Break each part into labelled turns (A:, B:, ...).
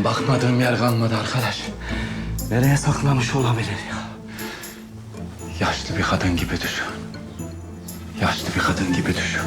A: bakmadığım yer kalmadı arkadaş. Nereye saklamış olabilir ya? Yaşlı bir kadın gibi düşün. Yaşlı bir kadın gibi düşün.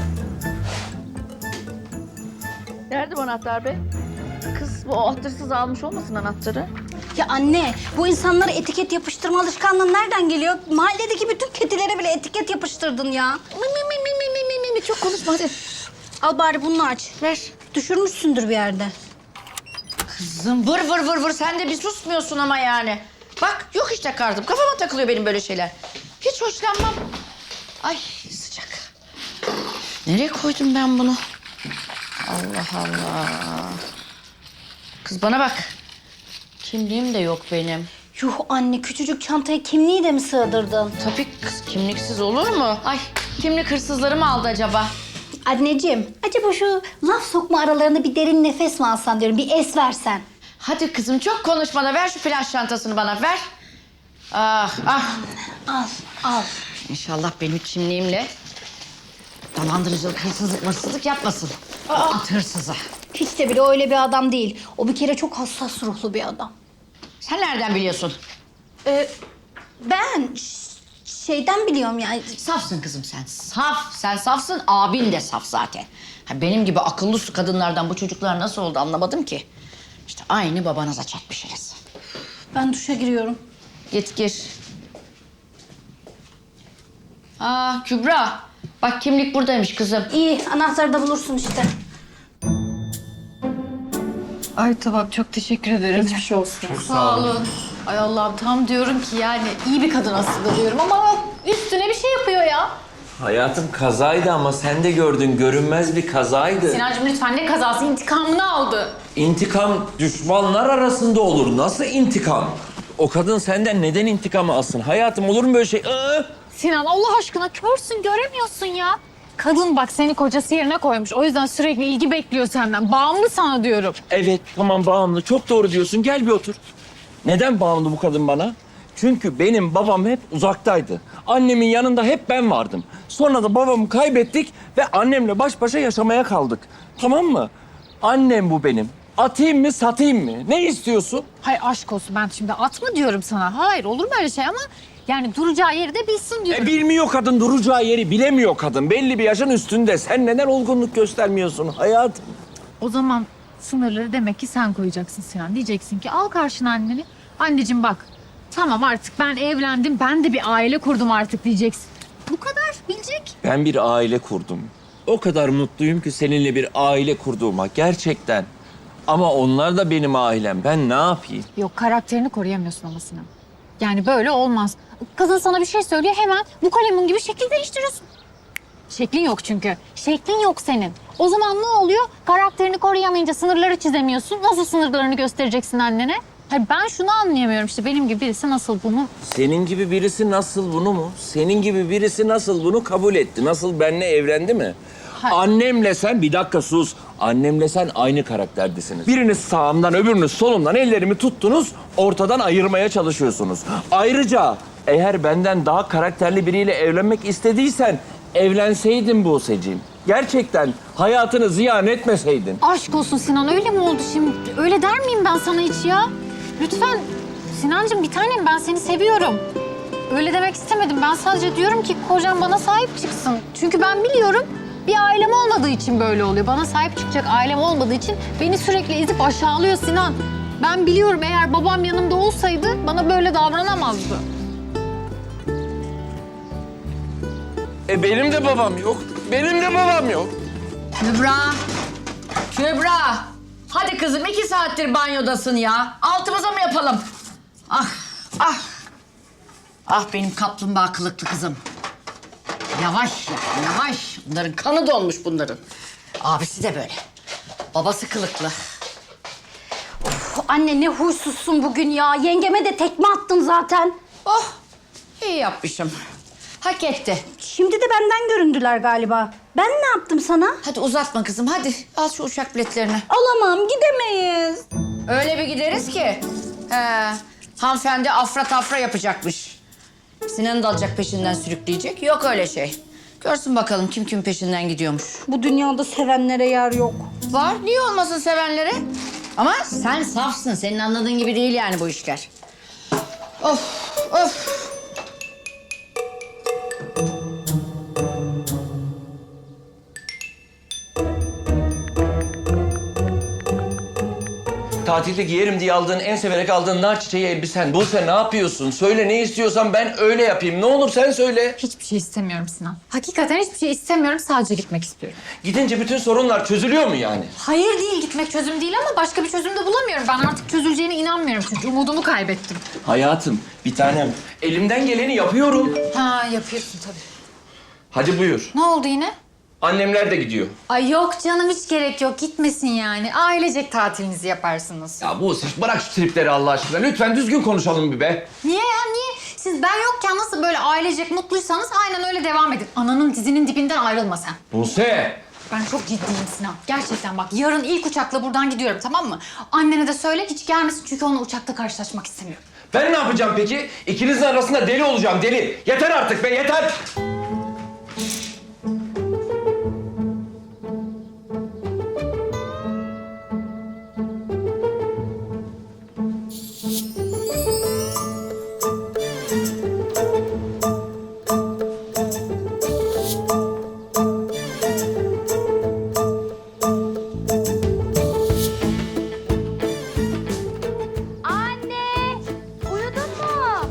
B: Nerede bu anahtar be? Kız bu ahlaksız almış olmasın anahtarı?
C: Ya anne, bu insanlara etiket yapıştırma alışkanlığı nereden geliyor? Mahalledeki bütün kedilere bile etiket yapıştırdın ya.
B: Çok konuşma hadi.
C: Al bari bunu aç.
B: Ver.
C: Düşürmüşsündür bir yerde.
B: Kızım vır vır vır vır sen de bir susmuyorsun ama yani. Bak yok işte kardım. Kafama takılıyor benim böyle şeyler. Hiç hoşlanmam. Ay sıcak. Nereye koydum ben bunu? Allah Allah. Kız bana bak. Kimliğim de yok benim.
C: Yuh anne, küçücük çantaya kimliği de mi sığdırdın?
B: Tabii kız kimliksiz olur mu? Ay kimlik hırsızları mı aldı acaba?
C: Anneciğim, acaba şu laf sokma aralarında bir derin nefes mi alsan diyorum, bir es versen.
B: Hadi kızım çok konuşma da ver şu flash çantasını bana ver. Ah ah.
C: Al, al.
B: İnşallah benim kimliğimle dolandırıcılık, hırsızlık yapmasın. At hırsızı.
C: Hiç de bile öyle bir adam değil. O bir kere çok hassas ruhlu bir adam.
B: Sen nereden biliyorsun?
C: Ben şeyden biliyorum yani.
B: Safsın kızım sen. Saf. Sen safsın. Abin de saf zaten. Ha, benim gibi akıllı su kadınlardan bu çocuklar nasıl oldu anlamadım ki. İşte aynı babanıza çatmışsınız.
C: Ben duşa giriyorum.
B: Git gir. Aa Kübra. Bak kimlik buradaymış kızım.
C: İyi, anahtarı da bulursun işte.
D: Ay tamam, çok teşekkür ederim. Hiçbir olsun. Sağ olun. Ay Allah'ım, tam diyorum ki yani iyi bir kadın aslında diyorum ama üstüne bir şey yapıyor ya.
E: Hayatım kazaydı ama sen de gördün, görünmez bir kazaydı.
D: Sinancığım lütfen, ne kazası, intikamını aldı.
E: İntikam düşmanlar arasında olur. Nasıl intikam? O kadın senden neden intikamı alsın? Hayatım olur mu böyle şey?
D: Sinan Allah aşkına, körsün, göremiyorsun ya. Kadın bak seni kocası yerine koymuş. O yüzden sürekli ilgi bekliyor senden. Bağımlı sana diyorum.
E: Evet, tamam bağımlı. Çok doğru diyorsun. Gel bir otur. Neden bağımlı bu kadın bana? Çünkü benim babam hep uzaktaydı. Annemin yanında hep ben vardım. Sonra da babamı kaybettik ve annemle baş başa yaşamaya kaldık. Tamam mı? Annem bu benim. Atayım mı, satayım mı? Ne istiyorsun?
D: Hayır aşk olsun, ben şimdi atma diyorum sana. Hayır, olur mu öyle şey ama yani duracağı yeri de bilsin diyorum.
E: Bilmiyor kadın, duracağı yeri bilemiyor kadın. Belli bir yaşın üstünde. Sen neden olgunluk göstermiyorsun hayatım?
D: O zaman sınırları demek ki sen koyacaksın Sinan. Diyeceksin ki al karşına anneni. Anneciğim bak, tamam artık ben evlendim, ben de bir aile kurdum artık diyeceksin. Bu kadar, bilecek.
E: Ben bir aile kurdum. O kadar mutluyum ki seninle bir aile kurduğuma gerçekten. Ama onlar da benim ailem. Ben ne yapayım?
D: Yok, karakterini koruyamıyorsun ama Sinan. Yani böyle olmaz. Kadın sana bir şey söylüyor, hemen bu kalemun gibi şekil değiştiriyorsun. Şeklin yok çünkü. Şeklin yok senin. O zaman ne oluyor? Karakterini koruyamayınca sınırları çizemiyorsun. Nasıl sınırlarını göstereceksin annene? Hayır, ben şunu anlayamıyorum işte, benim gibi birisi nasıl bunu...
E: Senin gibi birisi nasıl bunu mu? Senin gibi birisi nasıl bunu kabul etti? Nasıl benimle evlendi mi?
D: Hayır.
E: Annemle sen, bir dakika sus. Annemle sen aynı karakterdesiniz. Biriniz sağımdan, öbürünüz solumdan ellerimi tuttunuz, ortadan ayırmaya çalışıyorsunuz. Ayrıca eğer benden daha karakterli biriyle evlenmek istediysen evlenseydin Buse'ciğim. Gerçekten hayatını ziyan etmeseydin.
D: Aşk olsun Sinan, öyle mi oldu şimdi? Öyle der miyim ben sana hiç ya? Lütfen Sinancığım, bir tanem, ben seni seviyorum. Öyle demek istemedim. Ben sadece diyorum ki kocam bana sahip çıksın. Çünkü ben biliyorum bir ailem olmadığı için böyle oluyor. Bana sahip çıkacak ailem olmadığı için beni sürekli ezip aşağılıyor Sinan. Ben biliyorum, eğer babam yanımda olsaydı bana böyle davranamazdı.
E: Benim de babam yok. Benim de babam yok.
B: Kübra. Kübra. Hadi kızım 2 saattir banyodasın ya. Altımıza mı yapalım? Ah ah. Ah benim kaplumbağa kılıklı kızım. Yavaş ya yavaş. Bunların kanı donmuş bunların. Abisi de böyle. Babası kılıklı.
C: Anne ne huysuzsun bugün ya. Yengeme de tekme attın zaten.
B: Oh iyi yapmışım. Hak etti.
C: Şimdi de benden göründüler galiba. Ben ne yaptım sana?
B: Hadi uzatma kızım hadi. Al şu uçak biletlerini.
C: Alamam, gidemeyiz.
B: Öyle bir gideriz ki. Hanımefendi afra tafra yapacakmış. Sinan'ı da alacak peşinden sürükleyecek. Yok öyle şey. Görsün bakalım kim peşinden gidiyormuş.
C: Bu dünyada sevenlere yer yok.
B: Var. Niye olmasın sevenlere? Ama sen safsın. Senin anladığın gibi değil yani bu işler. Of, of.
E: Tatilde giyerim diye aldığın, en severek aldığın nar çiçeği elbisen. Buse ne yapıyorsun? Söyle ne istiyorsan ben öyle yapayım. Ne olur sen söyle.
D: Hiçbir şey istemiyorum Sinan. Hakikaten hiçbir şey istemiyorum. Sadece gitmek istiyorum.
E: Gidince bütün sorunlar çözülüyor mu yani?
D: Hayır değil, gitmek çözüm değil ama başka bir çözüm de bulamıyorum. Ben artık çözüleceğine inanmıyorum çünkü umudumu kaybettim.
E: Hayatım, bir tanem. Elimden geleni yapıyorum.
D: Ha, yapıyorsun tabii.
E: Hadi buyur.
D: Ne oldu yine?
E: Annemler de gidiyor.
D: Ay yok canım, hiç gerek yok. Gitmesin yani. Ailecek tatilinizi yaparsınız.
E: Ya Buse bırak şu tripleri Allah aşkına. Lütfen düzgün konuşalım bir be.
D: Niye ya, niye? Siz ben yokken nasıl böyle ailecek mutluysanız aynen öyle devam edin. Ananın dizinin dibinden ayrılma sen.
E: Buse.
D: Ben çok ciddiyim Sinan. Gerçekten bak, yarın ilk uçakla buradan gidiyorum, tamam mı? Annene de söyle hiç gelmesin çünkü onunla uçakta karşılaşmak istemiyorum.
E: Ben ne yapacağım peki? İkinizin arasında deli olacağım deli. Yeter artık be yeter.
C: Anne! Uyudun mu?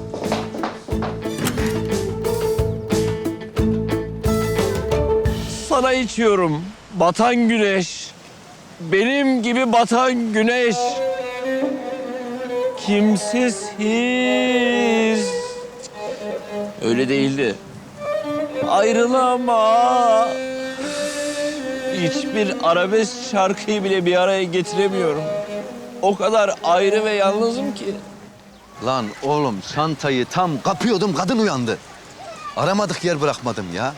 E: Sana içiyorum. Batan güneş. Benim gibi batan güneş. Kimsiz hiç. Öyle değildi. Ayrılama. Hiçbir arabesk şarkıyı bile bir araya getiremiyorum. O kadar ayrı ve yalnızım ki.
F: Lan oğlum çantayı tam kapıyordum kadın uyandı. Aramadık yer bırakmadım ya.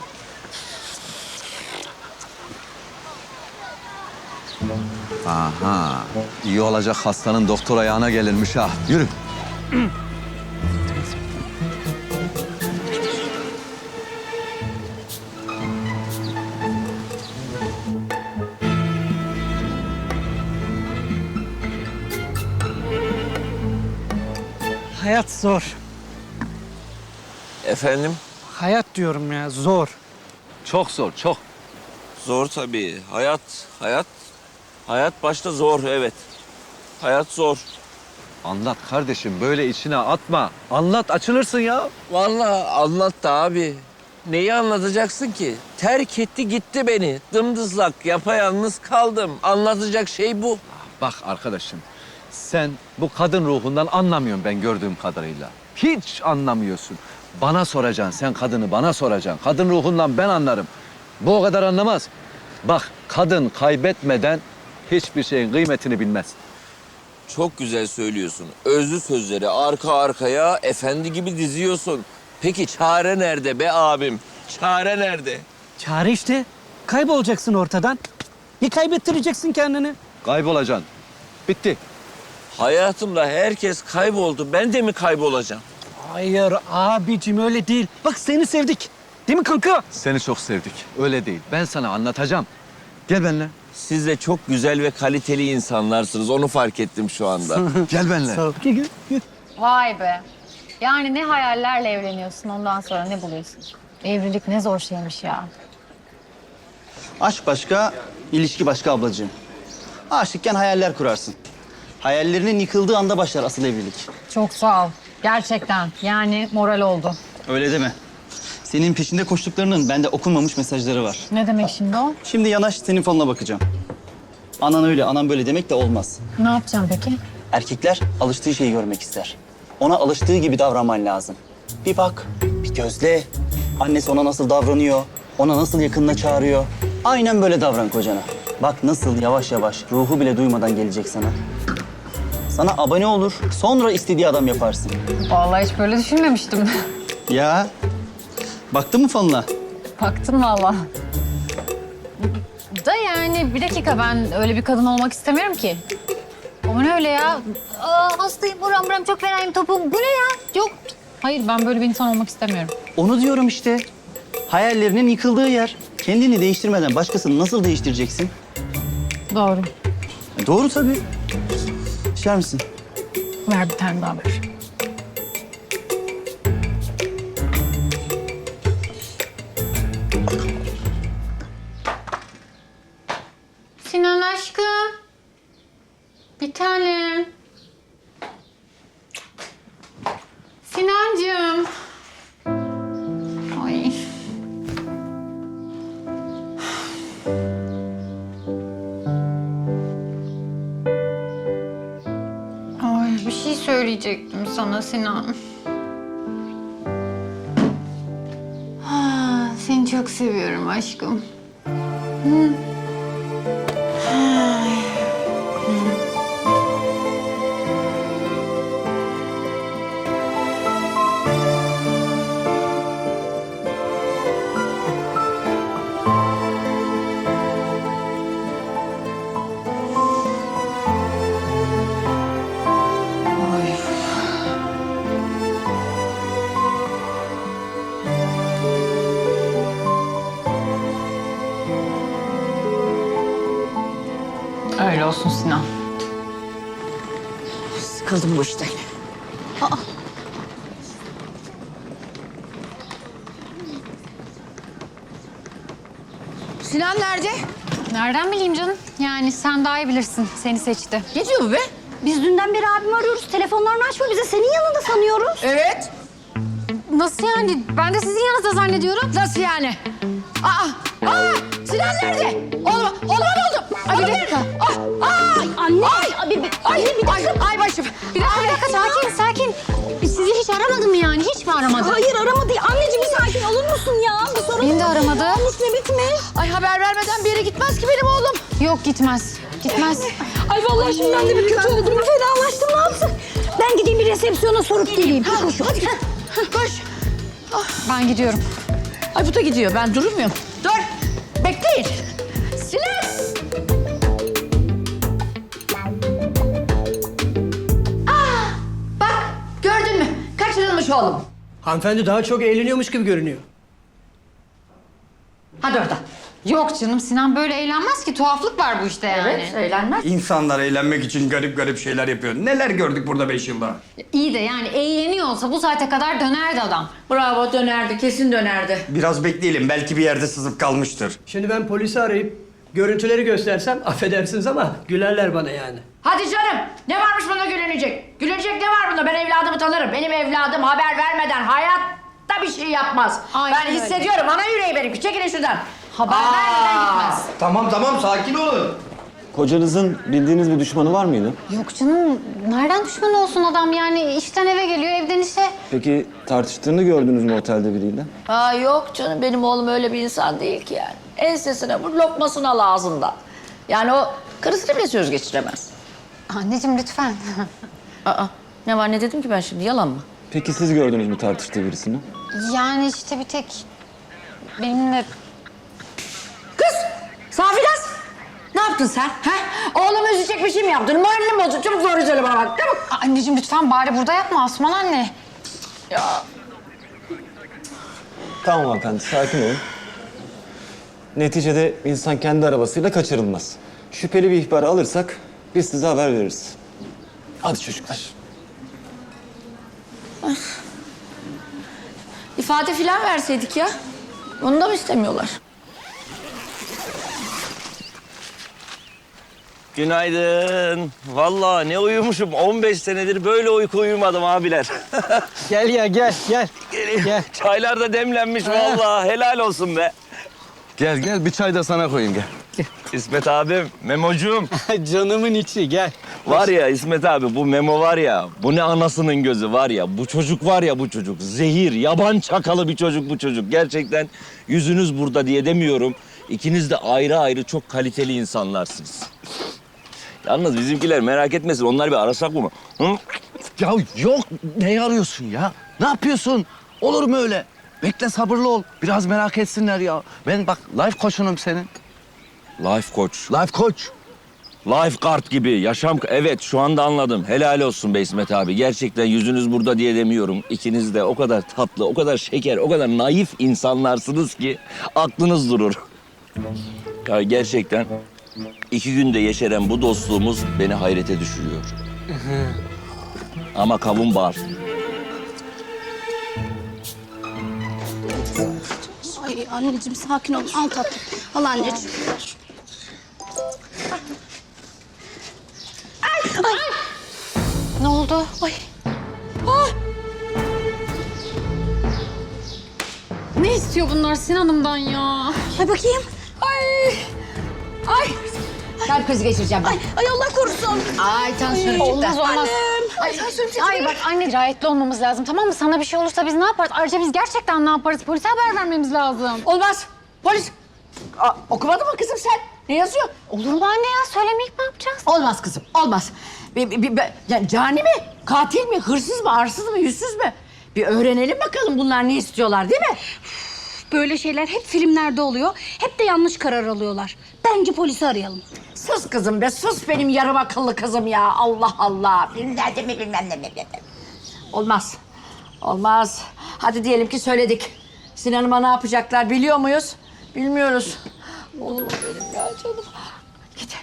F: Aha iyi olacak hastanın doktor ayağına gelirmiş ha. Yürü.
G: Hayat zor.
E: Efendim?
G: Hayat diyorum ya, zor.
F: Çok zor çok.
E: Zor tabii. Hayat başta zor, evet. Hayat zor.
F: Anlat kardeşim böyle içine atma. Anlat açılırsın ya.
E: Vallahi anlattı abi. Neyi anlatacaksın ki? Terk etti gitti beni. Dımdızlak, yapayalnız kaldım. Anlatacak şey bu.
F: Bak arkadaşım sen bu kadın ruhundan anlamıyorsun ben gördüğüm kadarıyla. Hiç anlamıyorsun. Bana soracaksın sen kadını bana soracaksın. Kadın ruhundan ben anlarım. Bu o kadar anlamaz. Bak kadın kaybetmeden hiçbir şeyin kıymetini bilmez.
E: Çok güzel söylüyorsun. Özlü sözleri arka arkaya efendi gibi diziyorsun. Peki çare nerede be abim? Çare nerede?
G: Çare işte. Kaybolacaksın ortadan. Bir kaybettireceksin kendini.
F: Kaybolacaksın. Bitti.
E: Hayatımda herkes kayboldu. Ben de mi kaybolacağım?
G: Hayır abicim öyle değil. Bak seni sevdik. Değil mi kanka?
F: Seni çok sevdik. Öyle değil. Ben sana anlatacağım. Gel benimle.
E: Siz de çok güzel ve kaliteli insanlarsınız. Onu fark ettim şu anda.
F: Gel benimle.
G: Sağ ol. Gel, gel.
D: Vay be. Yani ne hayallerle evleniyorsun, ondan sonra ne buluyorsun? Evlilik ne zor şeymiş ya.
H: Aşk başka, ilişki başka ablacığım. Aşıkken hayaller kurarsın. Hayallerinin yıkıldığı anda başlar asıl evlilik.
D: Çok sağ ol. Gerçekten. Yani moral oldu.
H: Öyle deme. Senin peşinde koştuklarının bende okunmamış mesajları var.
D: Ne demek şimdi o?
H: Şimdi yanaş senin fonuna bakacağım. Anan öyle, anan böyle demek de olmaz.
D: Ne yapacağım peki?
H: Erkekler alıştığı şeyi görmek ister. Ona alıştığı gibi davranman lazım. Bir bak, bir gözle. Annesi ona nasıl davranıyor, ona nasıl yakınına çağırıyor. Aynen böyle davran kocana. Bak nasıl yavaş yavaş, ruhu bile duymadan gelecek sana. Sana abone olur, sonra istediği adam yaparsın.
D: Vallahi hiç böyle düşünmemiştim.
H: Ya, baktın mı fonuna?
D: Baktım vallahi. Da yani bir dakika, ben öyle bir kadın olmak istemiyorum ki. O ne öyle ya? Aa, hastayım, buram buram, çok fenayım, topum. Bu ne ya? Yok. Hayır, ben böyle bir insan olmak istemiyorum.
H: Onu diyorum işte. Hayallerinin yıkıldığı yer. Kendini değiştirmeden başkasını nasıl değiştireceksin?
D: Doğru.
H: Doğru tabii. İçer misin?
D: Ver bir tane daha ver. Sinan aşkım. Bir tanem. Sinancığım. Ay. Ay bir şey söyleyecektim sana Sinan. Seni çok seviyorum aşkım. Öyle olsun Sinan.
B: Sıkıldım bu işten. Sinan nerede?
D: Nereden bileyim canım? Yani sen daha iyi bilirsin. Seni seçti.
B: Ne diyor bu be?
C: Biz dünden beri abimi arıyoruz. Telefonlarını açmıyor. Biz de senin yanında sanıyoruz.
B: Evet.
D: Nasıl yani? Ben de sizin yanınızda zannediyorum.
B: Nasıl yani? Aa, Sinan nerede? Oğlum ne oldu?
D: Ay, bir dakika.
C: Anne.
B: Ay başım.
D: Bir dakika, sakin. Sizi hiç aramadı mı yani? Hiç mi aramadı?
C: Hayır aramadı. Anneciğim bir sakin olur musun ya? Bir sorun
D: Beni de aramadı.
C: olmuş ne bitmiş?
B: Ay haber vermeden bir yere gitmez ki benim oğlum.
D: Yok gitmez.
C: Ay vallahi şimdi ben de bir kötü oldum. Bir fenalaştım ne yapsın? Ben gideyim bir resepsiyona sorup geleyim. Koş.
B: Koş.
D: Ben gidiyorum.
B: Ay bu da gidiyor. Ben durmuyorum. Dur. Bekleyin. Sinan. Bak gördün mü? Kaçırılmış oğlum.
G: Hanımefendi daha çok eğleniyormuş gibi görünüyor.
B: Hadi oradan.
D: Yok canım Sinan böyle eğlenmez ki. Tuhaflık var bu işte yani.
B: Evet eğlenmez.
I: İnsanlar eğlenmek için garip şeyler yapıyor. Neler gördük burada 5 yılda?
D: İyi de yani eğleniyor olsa bu saate kadar dönerdi adam.
B: Bravo dönerdi. Kesin dönerdi.
I: Biraz bekleyelim. Belki bir yerde sızıp kalmıştır.
G: Şimdi ben polisi arayıp görüntüleri göstersem affedersiniz ama gülerler bana yani.
B: Hadi canım. Ne varmış bunda gülünecek? Gülünecek ne var bunda? Ben evladımı tanırım. Benim evladım haber vermeden hayatta bir şey yapmaz.
D: Aynen
B: ben
D: öyle.
B: hissediyorum. Ana yüreği benimki. Çekilin şuradan.
D: Haber vermeden gitmez.
I: Tamam sakin olun.
H: Kocanızın bildiğiniz bir düşmanı var mıydı?
D: Yok canım. Nereden düşman olsun adam yani? İşten eve geliyor, evden işe.
H: Peki tartıştığını gördünüz mü otelde biriyle?
B: Yok canım. Benim oğlum öyle bir insan değil ki yani. Ensesine vur, lokmasını al ağzından. Yani o karısına bile söz geçiremez.
D: Anneciğim lütfen.
B: Ne var ne dedim ki ben şimdi? Yalan mı?
H: Peki siz gördünüz mü tartıştığı birisini?
D: Yani işte bir tek benimle...
B: Kız! Safiraz! Ne yaptın sen? Ha? Oğlumu üzecek bir şey mi yaptın? Moralini mi bozdun? Çabuk doğru söyle bana bak. Çabuk.
D: Anneciğim lütfen bari burada yapma Asman anne.
H: Tamam hanımefendi, sakin olun. Neticede insan kendi arabasıyla kaçırılmaz. Şüpheli bir ihbar alırsak biz size haber veririz. Hadi çocuklar.
B: İfade filan verseydik ya. Onu da mı istemiyorlar?
E: Günaydın. Vallahi ne uyumuşum. 15 senedir böyle uyku uyumadım abiler.
G: Gel ya gel. Gel.
E: Çaylar da demlenmiş vallahi. Helal olsun be.
F: Gel bir çay da sana koyayım gel.
E: İsmet abim, Memocuğum.
G: Canımın içi gel.
E: Var ya İsmet abi bu Memo var ya. Bu ne anasının gözü var ya. Bu çocuk var ya bu çocuk. Zehir, yaban çakalı bir çocuk bu çocuk. Gerçekten yüzünüz burada diye demiyorum. İkiniz de ayrı ayrı çok kaliteli insanlarsınız. Yalnız bizimkiler merak etmesin. Onlar bir arasak mı? Hı?
F: Ya yok ne arıyorsun ya? Ne yapıyorsun? Olur mu öyle? Bekle sabırlı ol. Biraz merak etsinler ya. Ben bak life koçunum senin.
E: Life coach.
F: Life koç.
E: Lifeguard gibi yaşam... Evet şu anda anladım. Helal olsun be İsmet abi. Gerçekten yüzünüz burada diye demiyorum. İkiniz de o kadar tatlı, o kadar şeker, o kadar naif insanlarsınız ki aklınız durur. Ya gerçekten 2 günde yeşeren bu dostluğumuz beni hayrete düşürüyor. Ama kavun var.
C: Ay anneciğim sakin ol. Al tatlım. Al anneciğim.
D: Ne oldu? Ay. Ne istiyor bunlar Sinan'ımdan ya?
C: Ay bakayım.
B: Ay. Kalp krizi geçireceğim ben.
C: Ay Allah korusun.
B: Ay tansiyonum çıktı.
D: Olmaz olmaz. Ay bak anne dirayetli olmamız lazım tamam mı? Sana bir şey olursa biz ne yaparız? Ayrıca biz gerçekten ne yaparız? Polise haber vermemiz lazım.
B: Olmaz. Polis. Okumadın mı kızım sen? Ne yazıyor?
D: Olur mu anne ya? Söylemeyip ne yapacağız?
B: Olmaz kızım, olmaz. Ya, cani mi? Katil mi? Hırsız mı? Arsız mı? Yüzsüz mü? Bir öğrenelim bakalım bunlar ne istiyorlar değil mi?
C: Böyle şeyler hep filmlerde oluyor. Hep de yanlış karar alıyorlar. Bence polisi arayalım.
B: Sus kızım be, sus benim yarım akıllı kızım ya. Allah Allah. Filmlerde mi bilmem ne mi. Olmaz. Olmaz. Hadi diyelim ki söyledik. Sinan'ıma ne yapacaklar biliyor muyuz? Bilmiyoruz. Oğlum benim ya canım. Git.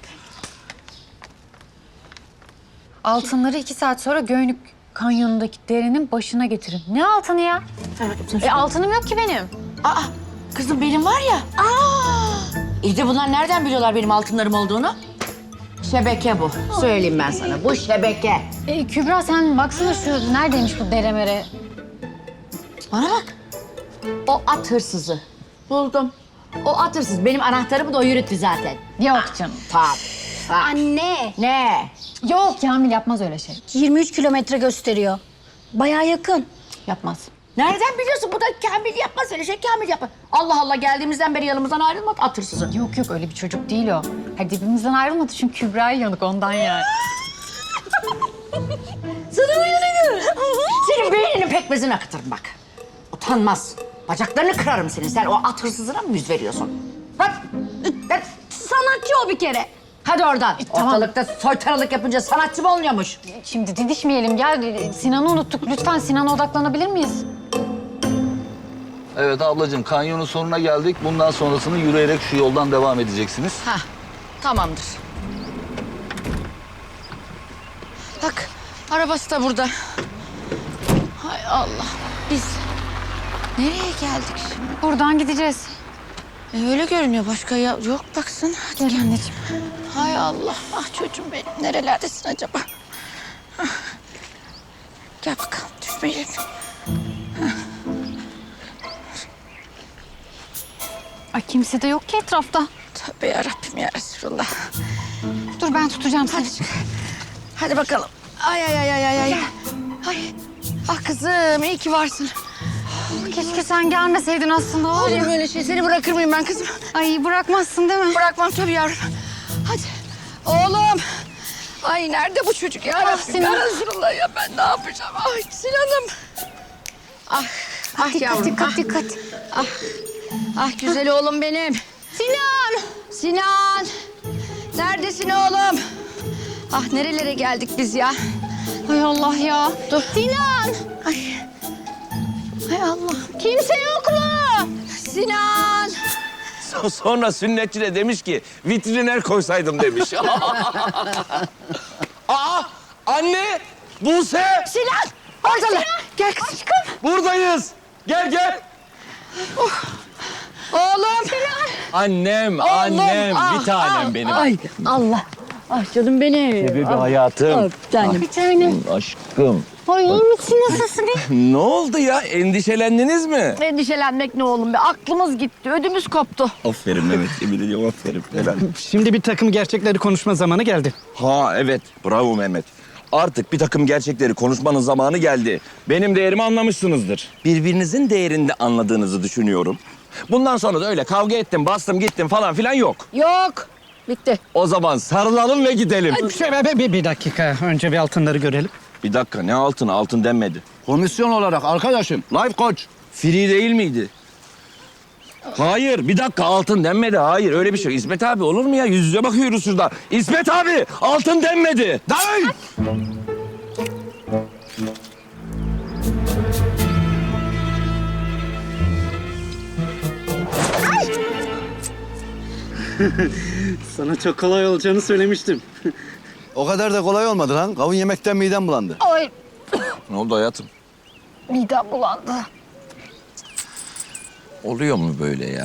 D: Altınları 2 saat sonra Göynük Kanyonu'ndaki derenin başına getirin. Ne altını ya? Altınım yok ki benim.
B: Aa, kızım benim var ya. İyi de bunlar nereden biliyorlar benim altınlarım olduğunu? Şebeke bu. Söyleyeyim ben sana. Bu şebeke.
D: Kübra sen baksana şu neredeymiş bu deremere?
B: Bana bak. O at hırsızı. Buldum. O at hırsız. Benim anahtarımı da o yürüttü zaten.
D: Yok canım.
B: Tabii.
C: Anne.
B: Ne?
D: Yok Kamil yapmaz öyle şey.
C: 23 kilometre gösteriyor. Bayağı yakın.
D: Yapmaz.
B: Nereden biliyorsun? Bu da Kamil yapmaz öyle şey. Kamil yapmaz. Allah Allah geldiğimizden beri yanımızdan ayrılmadı at hırsızı.
D: Yok öyle bir çocuk değil o. Hadi birbirimizden ayrılmadı çünkü Kübra'ya yanık ondan yani.
B: Sana mı yanıyorum? Senin beyninin pekmezini akıtırım bak. Utanmaz. Bacaklarını kırarım senin. Sen o at hırsızına mı yüz veriyorsun? Bak.
C: Sanatçı o bir kere.
B: Hadi oradan.
D: tamam.
B: Ortalıkta soytaralık yapınca sanatçı mı oluyormuş?
D: Şimdi didişmeyelim gel. Sinan'ı unuttuk. Lütfen Sinan'a odaklanabilir miyiz?
J: Evet ablacığım kanyonun sonuna geldik. Bundan sonrasını yürüyerek şu yoldan devam edeceksiniz.
B: Hah, tamamdır. Bak, arabası da burada. Hay Allah, biz nereye geldik şimdi?
D: Buradan gideceğiz.
B: Öyle görünüyor, başka yok baksana. Hadi
D: Gel anneciğim.
B: Hay Allah, ah çocuğum benim. Nerelerdesin acaba? Hah. Gel bakalım, düşmeyelim.
D: Ay kimse de yok ki etrafta.
B: Tövbe yarabbim ya Resulallah.
D: Dur ben tutacağım seni.
B: Hadi bakalım. Ay. Ay. Ah kızım, iyi ki varsın.
D: Keşke sen gelmeseydin aslında.
B: Olur mu öyle şey? Seni bırakır mıyım ben kızım?
D: Ay bırakmazsın değil mi?
B: Bırakmam tabii yavrum. Hadi. Oğlum. Ay nerede bu çocuk ya? Rabbim
D: Sinan.
B: ya Resulallah ya ben ne yapacağım? Ay Sinan'ım. Ah yavrum.
D: Dikkat.
B: Ah güzel oğlum benim. Sinan. Neredesin oğlum? Ah nerelere geldik biz ya?
D: Ay Allah ya.
B: Dur. Sinan. Ay. Hay Allah. Kimse yok mu? Sinan.
E: Sonra sünnetçi de demiş ki vitriner koysaydım demiş. Aa anne Buse
B: Sinan. Oradalar. Gel kızım. Aşkım.
E: buradayız. Gel.
B: Oğlum.
E: Annem
B: Oğlum,
E: bir tanem benim.
B: Ay Allah. Ah canım benim.
E: Bebeğim hayatım.
B: Bir tanem.
D: Bir tanem.
E: Aşkım.
D: Ay iyi misin? Nasılsın?
E: Ne oldu ya? Endişelendiniz mi?
B: Endişelenmek ne oğlum be? Aklımız gitti, ödümüz koptu.
E: Aferin Mehmet. Yemin ediyorum aferin. Helal.
G: Şimdi bir takım gerçekleri konuşma zamanı geldi.
E: Ha evet. Bravo Mehmet. Artık bir takım gerçekleri konuşmanın zamanı geldi. Benim değerimi anlamışsınızdır. Birbirinizin değerini de anladığınızı düşünüyorum. Bundan sonra da öyle kavga ettim, bastım, gittim falan filan yok.
B: Yok. Bitti.
E: O zaman sarılalım ve gidelim.
G: Bir dakika. Önce bir altınları görelim.
E: Bir dakika ne altın? Altın denmedi.
I: Komisyon olarak arkadaşım. Life coach.
E: Free değil miydi? Hayır bir dakika altın denmedi. Hayır öyle bir şey. İsmet abi olur mu ya? Yüz yüze bakıyoruz şurada. İsmet abi altın denmedi.
I: Day!
G: Sana çok kolay olacağını söylemiştim.
J: O kadar da kolay olmadı lan. Kavun yemekten midem bulandı.
D: Ay
E: Ne oldu hayatım?
D: midem bulandı.
E: Oluyor mu böyle ya?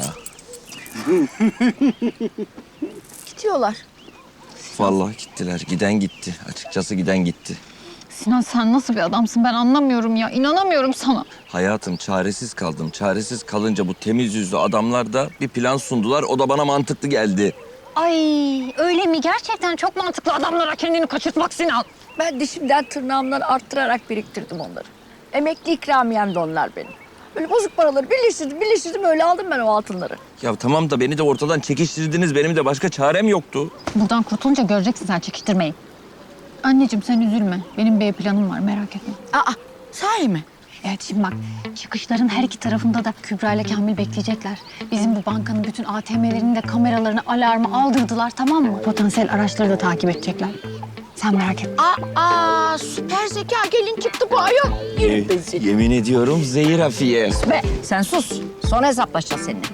B: Gidiyorlar.
E: Vallahi gittiler. Giden gitti. Açıkçası giden gitti.
D: Sinan sen nasıl bir adamsın ben anlamıyorum ya. İnanamıyorum sana.
E: Hayatım çaresiz kaldım. Çaresiz kalınca bu temiz yüzlü adamlar da bir plan sundular. O da bana mantıklı geldi.
D: Ay öyle mi? Gerçekten çok mantıklı adamlara kendini kaçırtmak Sinan.
B: Ben dişimden tırnağımdan arttırarak biriktirdim onları. Emekli ikramiyem de onlar benim. Böyle bozuk paraları birleştirdim öyle aldım ben o altınları.
E: Ya tamam da beni de ortadan çekiştirdiniz. Benim de başka çarem yoktu.
D: Buradan kurtulunca göreceksin sen çekiştirmeyi. Anneciğim sen üzülme. Benim bir planım var merak etme.
B: Aa, sahi mi?
D: Evet şimdi bak çıkışların her iki tarafında da Kübra ile Kamil bekleyecekler. Bizim bu bankanın bütün ATM'lerini de kameralarını alarmı aldırdılar tamam mı? Potansiyel araçları da takip edecekler. Sen merak etme.
B: Aa, süper zeka gelin çıktı bu ayol. Yürü bezi.
E: Yemin ediyorum zehir hafiye.
B: Be, sen sus. Sonra hesaplaşacağız seninle.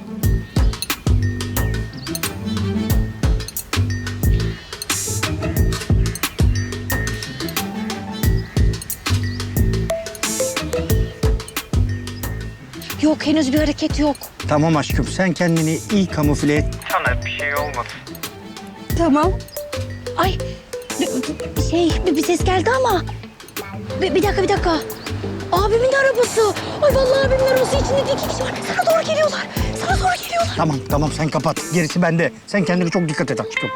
C: Yok henüz bir hareket yok.
G: Tamam aşkım sen kendini iyi kamufle et.
C: Tamam. Ay bir ses geldi ama. Bir dakika. Abimin arabası. Ay vallahi abimin arabası içinde de 2 kişi var. Sana doğru geliyorlar.
G: Tamam sen kapat. Gerisi bende. Sen kendine çok dikkat et aşkım.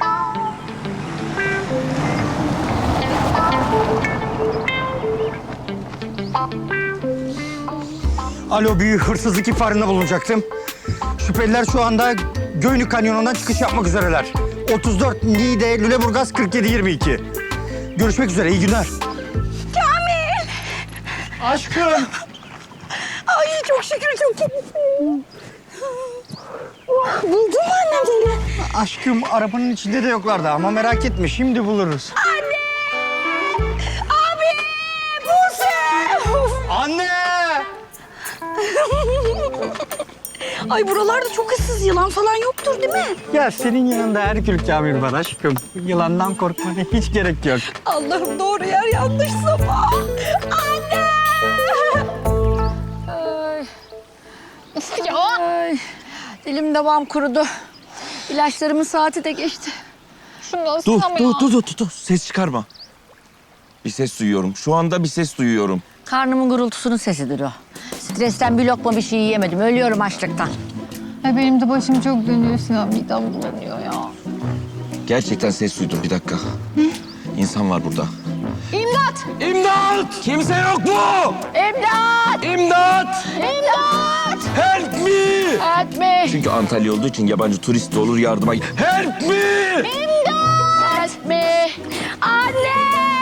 G: Alo, büyük hırsızlık ihbarında bulunacaktım. Şüpheliler şu anda Göynük Kanyonu'ndan çıkış yapmak üzereler. 34 Niğde, Lüleburgaz 4722. Görüşmek üzere, iyi günler. Kamil! Aşkım!
C: Ay çok şükür çok Buldun mu annem seni?
G: Aşkım, arabanın içinde de yoklardı ama merak etme, şimdi buluruz.
C: Abi! Buse!
G: Anne!
C: Ay buralarda çok ıssız yılan falan yoktur değil mi?
G: Ya senin yanında Herkül Kamil var aşkım. Yılandan korkmana hiç gerek yok.
C: Allah'ım doğru yer yanlış zaman. Anne!
B: Ay, dilim damağım kurudu. İlaçlarımın saati de geçti.
D: Şundan
E: Dur,
D: Sinan ya.
E: dur. Ses çıkarma. Bir ses duyuyorum. Şu anda bir ses duyuyorum.
B: Karnımın gurultusunun sesidir o. Stresten bir lokma bir şey yiyemedim. Ölüyorum açlıktan.
D: Benim de başım çok dönüyor Sinan. Midem bulanıyor ya.
E: Gerçekten ses duydum. Bir dakika. İnsan var burada.
D: İmdat!
E: İmdat! Kimse yok mu?
B: İmdat!
E: İmdat!
B: İmdat!
E: Help me!
B: Etme!
E: Çünkü Antalya olduğu için yabancı turist de olur yardıma. Help me!
B: Etme!
C: Anne!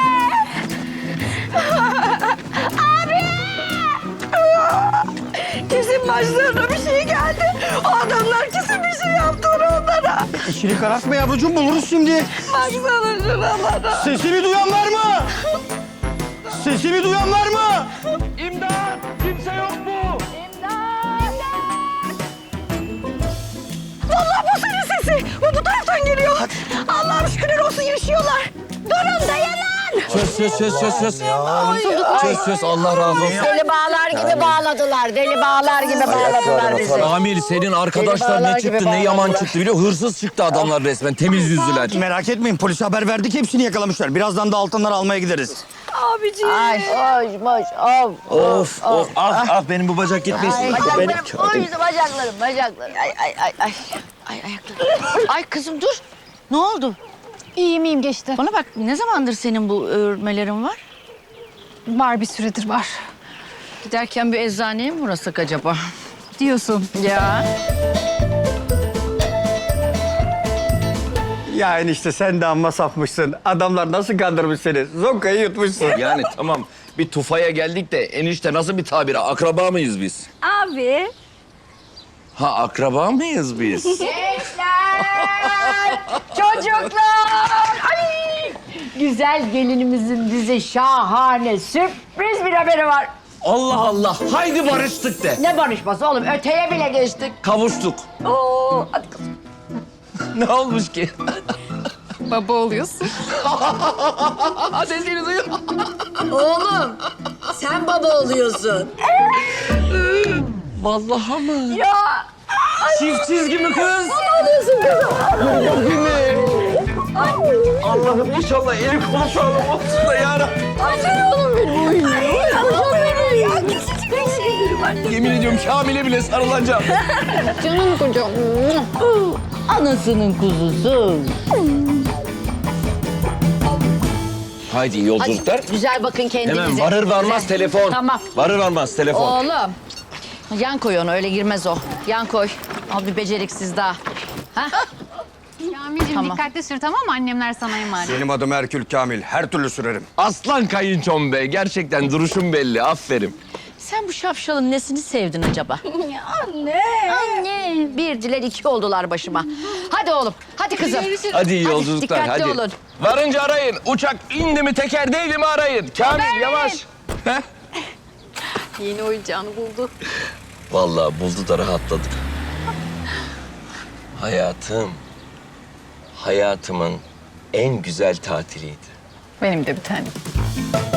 C: Kesin başlarına bir şey geldi. O adamlar kesin bir şey yaptı onlara.
G: İçini karartma yavrucuğum, buluruz şimdi.
C: Baksana şuralara.
G: Sesimi duyan var mı? Sesimi duyan var mı?
E: İmdat! Kimse yok mu?
C: Vallahi bu senin sesi. Bu taraftan geliyor. Allah'ım şükürler olsun yaşıyorlar. Durun dayanın.
E: Söz Allah razı olsun.
B: Deli bağlar gibi bağladılar. Deli bağlar gibi bağladılar bizi.
E: Amir senin arkadaşlar
B: bağlar
E: ne
B: gibi
E: çıktı ne yaman
B: bağladılar.
E: çıktı biliyor musun? Hırsız çıktı adamlar resmen temiz yüzlüler.
G: Merak etmeyin, polise haber verdik, hepsini yakalamışlar. Birazdan da altınları almaya gideriz.
C: Abiciğim.
B: Ay, hoş,
E: Of ah benim bu bacak gitmesin.
B: Ay,
E: Benim
B: bacaklarım, oy bacaklarım. Ay, ayaklarım. Ay kızım dur. Ne oldu?
D: İyiyim geçti.
B: Bana bak, ne zamandır senin bu örmelerin var?
D: Var bir süredir var.
B: Giderken bir eczaneye mi uğrasak acaba?
D: Diyorsun.
B: Ya.
G: Ya enişte sen de amma sapmışsın. Adamlar nasıl kandırmış seni? Zonkayı yutmuşsun.
E: Yani tamam bir tufaya geldik de enişte nasıl bir tabir? Akraba mıyız biz?
C: Abi.
E: Ha akraba mıyız biz?
B: Çocuklar! Ay! Güzel gelinimizin bize şahane sürpriz bir haberi var.
E: Allah Allah haydi barıştık de.
B: Ne barışması oğlum? Öteye bile geçtik.
E: Kavuştuk.
B: Oo, hadi kızım.
E: Ne olmuş ki?
D: Baba oluyorsun.
E: Sesini duyuyor.
B: Oğlum sen baba oluyorsun.
E: Vallahi mı? Ya. Çift çizgi mi kız? Allah'ım inşallah el kolu sağlam olsun da yarabbim. Yemin ediyorum Kamil'e bile sarılacağım.
D: Canım kocam.
B: Anasının kuzusu.
E: Haydi iyi yolculuklar.
B: Hadi güzel bakın kendinize.
E: Hemen varır varmaz
B: Güzel.
E: telefon.
B: Tamam.
E: Varır varmaz telefon.
B: Oğlum. Yan koy onu öyle girmez o. Yan koy. Al bir beceriksiz daha. Ha?
D: Kamil'cim
B: Tamam.
D: dikkatli sür tamam mı? Annemler sana emanet.
I: Benim adım Herkül Kamil. Her türlü sürerim.
E: Aslan kayınçom be. Gerçekten duruşun belli. Aferin.
B: Sen bu şapşalın nesini sevdin acaba? Anne. Bir diler iki oldular başıma. Hadi oğlum. Hadi kızım.
E: Hadi iyi yolculuklar.
B: Dikkatli
E: Hadi.
B: olun.
E: Varınca arayın. Uçak indi mi teker değil mi arayın. Kamil yavaş. Heh.
D: Yeni oyuncağını buldu.
E: Vallahi buldu da rahatladık. Hayatımın en güzel tatiliydi.
D: Benim de bir tane.